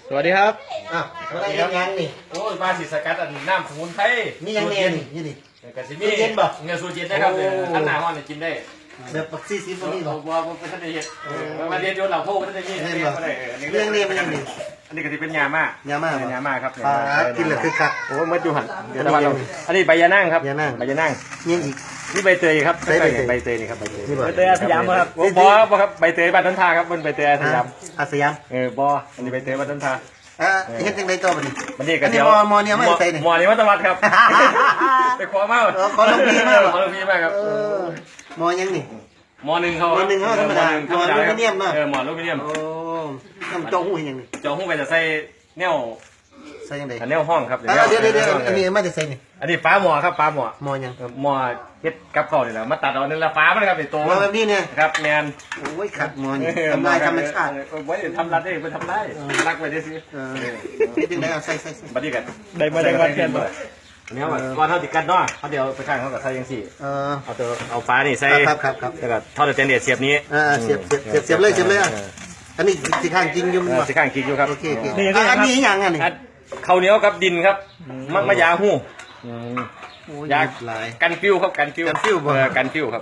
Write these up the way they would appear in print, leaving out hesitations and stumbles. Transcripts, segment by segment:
สวัสดีครับอ้าวอะไรยังนี่โอ้ยมาสิสกัดอันน้ำสมุนไพรมียังเย็นนี่ดิกะสิมีเย็นบ่เงือสูตรเย็นนะครับท่านหน้าห้อนกินได้แบบปักซี่ซีตรงนี้หรอว่าเป็นท่านได้เห็ดมาเรียนโยนเหล่าโพกท่านได้เห็ดเรื่องนี้มันยังดีอันนี้ก็จะเป็นยาม่ายาม่าครับกินแล้วคือคักโอ้ยมัดอยู่หันเดี๋ยวตะวันเราอันนี้ใบยานั่งครับใบยานั่งยังอีกนี่ใบเตยครับใบเตยนี่ครับใบเตยอาสยามครับบอครับใบเตยบ้านต้นทาครับมันใบเตยอาสยามบออันนี้ใบเตยบ้านต้นทาเห็นจังไดต่อบัดนี้บัดนี้ก็เดี๋ยวมอเนี่ยไม่ใส่นี่มอนี่วัตวัดครับไปขอมาขอลงพีมากขอลงพีมากครับมอยังนี่มอหนึ่งเขาธรรมดาหมอลูมิเนียมเนาะหมอลูมิเนียมโอ้น้ำเจ้าหู้ยังนี่เจ้าหู้ไปจะใส่แนวใส่ยังไงแนวห้องครับเดี๋ยวอันนี้มาจะใส่นี่อันนี้ฟ้าหมอครับฟ้าหมอยังหมอเฮ็ดกับเขาเนี่ยแหละมาตัดเอาเนี่ยละฟ้ามันครับเป็นตัวมาแบบนี้เนี่ยครับแมนโอ้ยขัดหมอนี่ทำลายธรรมชาติไว้ทำรัดได้ไปทำได้รักไปได้สินี่ถึงได้เอาใส่บัดนี้กันได้มาเพียนบ่เนี่ยก่อนเท่าติดกันเนาะเขาเดี๋ยวไปข้างเขากับใส่ยังสี่เอาฟ้านี่ใส่ครับแล้วก็ทอดเตนเดียเสียบนี้เสียบเลยอันนี้สีข้างจริงอยู่สีข้างจริงอยู่ครับโอเคอันนี้ยังอันนี้ข้าวเหนียวกับดินครับมะยาหู้ยากันฟิวครับกันฟิวครับ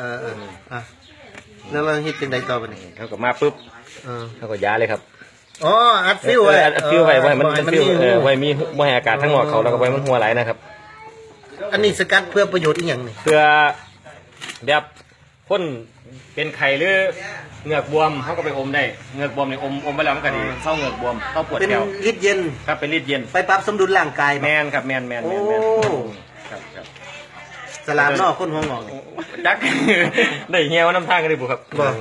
แล้วเราฮิตเป็นไดต่อไปนี่เขาก็มาปุ๊บเขาก็ยาเลยครับอ๋ออัดฟิวอัดฟิวไว้มันฟิวไว้มีมวอากาศทั้งหมดเขาแล้วก็ไว้มันหัวไหลนะครับอันนี้สกัดเพื่อประโยชน์อีกอย่างนี่เพื่อแบบคนเป็นไข่หรือเหงือกบวมเขาก็ไปอมได้เหงือกบวมเนี่ยอมไปแล้วมันก็ดีเข้าเหงือกบวมเข้าปวดแก้วเป็นฤทธิ์เย็นครับเป็นฤทธิ์เย็นไปปรับสมดุลร่างกายแมนครับแมนครับสลามนอกคนหัวงอกจักได้เงี้ยวน้ำทางกันเลยบุครับ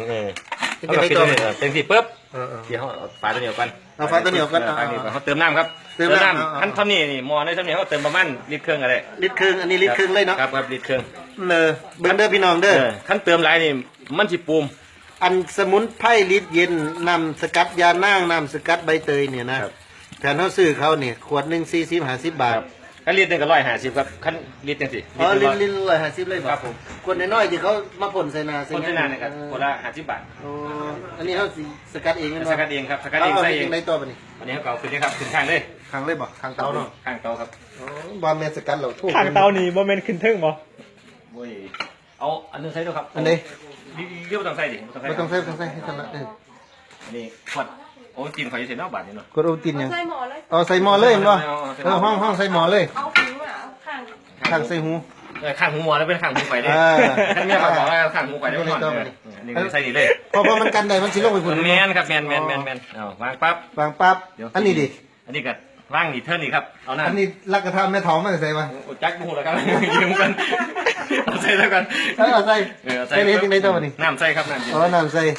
เป็นสีปุ๊บเดี๋ยวเขาฝาตัวเหนียวกันเอาฝาตัวเหนียวกันเขาเติมน้ำครับเติมน้ำขั้นเท่านี้นี่มอในเท่านี้เขาเติมประมาณลิตรครึ่งอะไรลิตรครึ่งอันนี้ลิตรครึ่งเลยเนาะครับลิตรครึ่งเบิ้งเด้อพี่น้องเด้อขั้นเติมไรนี่มันสิปูมอันสมุนไพรฤทธิ์เย็นน้ำสกัดยานั่งน้ำสกัดใบเตยเนี่ยนะแทนเขาซื้อเขาเนี่ยขวดหนึ่ง40-50 บาทขั้นลิตรหนึ่งก็150ครับขั้นลิตรจังสิลิตร150เลยครับผมขวดน้อยๆที่เขามาพ่นใส่นาพ่นใส่นาเนี่ยครับขวดละ50 บาทอันนี้เขาสกัดเองสกัดเองครับสกัดเองใส่เองในตัวปะนี่อันนี้เขาเก่าขึ้นนี่ครับขึ้นข้างเลยบ่ข้างเตาเนาะข้างเตาครับบอมเมนสกัดเราข้างเตานี่บอมเมนขึ้นทึ่งบ่โอ้ยเอาอันนึงใส่ด้วยครับอันนี้เรียกว่าต้องใส่ดิไม่ต้องใส่ให้ทันละอันนี้ขวดโอ้จินขอจะใส่นอกบาทนี่เนาะกดโอตินยังใส่หม้อเลยเห็นป่ะห้องใส่หม้อเลยเอาหูอ่ะข้างใส่หูข้างหูหม้อแล้วเป็นข้างหูไฟเลยท่านเมียบอกว่าข้างหูไฟได้ก่อนนี่ใส่นี่เลยเพราะมันกันได้มันสิลงไปฝุ่นแมนครับแมนเอาวางปั๊บอันนี้ดิอันนี้ก็ว่างนี่เท่านี้ครับเอาหน้าอันนี้รักกระทำแม่ท้องไม่ใส่ป่ะจักบุหแล้วครับยืมกันเอาใส่แล้วกันใส่เล็กในตัวนี่น้ำใส่ครับน้ำใส่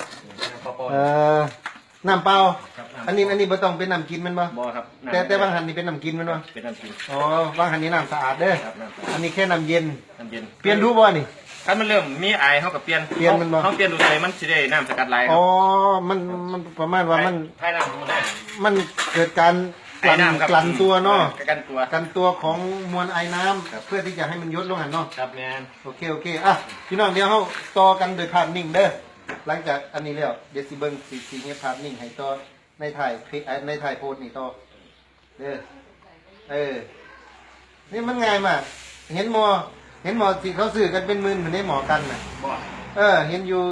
น้ำเปล่าอันนี้ไม่ต้องเป็นน้ำกินมันป่ะบ่ครับแต่บางหันนี่เป็นน้ำกินมันป่ะเป็นน้ำกินบางหันนี่น้ำสะอาดเด้ออันนี้แค่น้ำเย็นเปลี่ยนรูปบ่นี่ถ้ามันเริ่มมีไอเขากับเปลี่ยนมันบ่เขาเปลี่ยนดูใส่มันสิได้น้ำสกัดไหลมันประมาณว่ามันให้น้ำได้มันเกิดการกลั่นตัวเนาะกันตัวของมวลไอน้ำเพื่อที่จะให้มันยดลงหันเนาะครับแมนโอเคอ่ะพี่น้องเดี๋ยวเขาต่อกันโดยภาพนิ่งเด้อหลังจากอันนี้แล้วเดี๋ยวสิเบิ้งสีเงี้ยภาพนิ่งให้ต่อในถ่ายโพสนี่ต่อเด้อนี่มันง่ายมากเห็นหมอที่เขาสื่อกันเป็นหมื่นเหมือนในหมอกันน่ะเห็นอยู่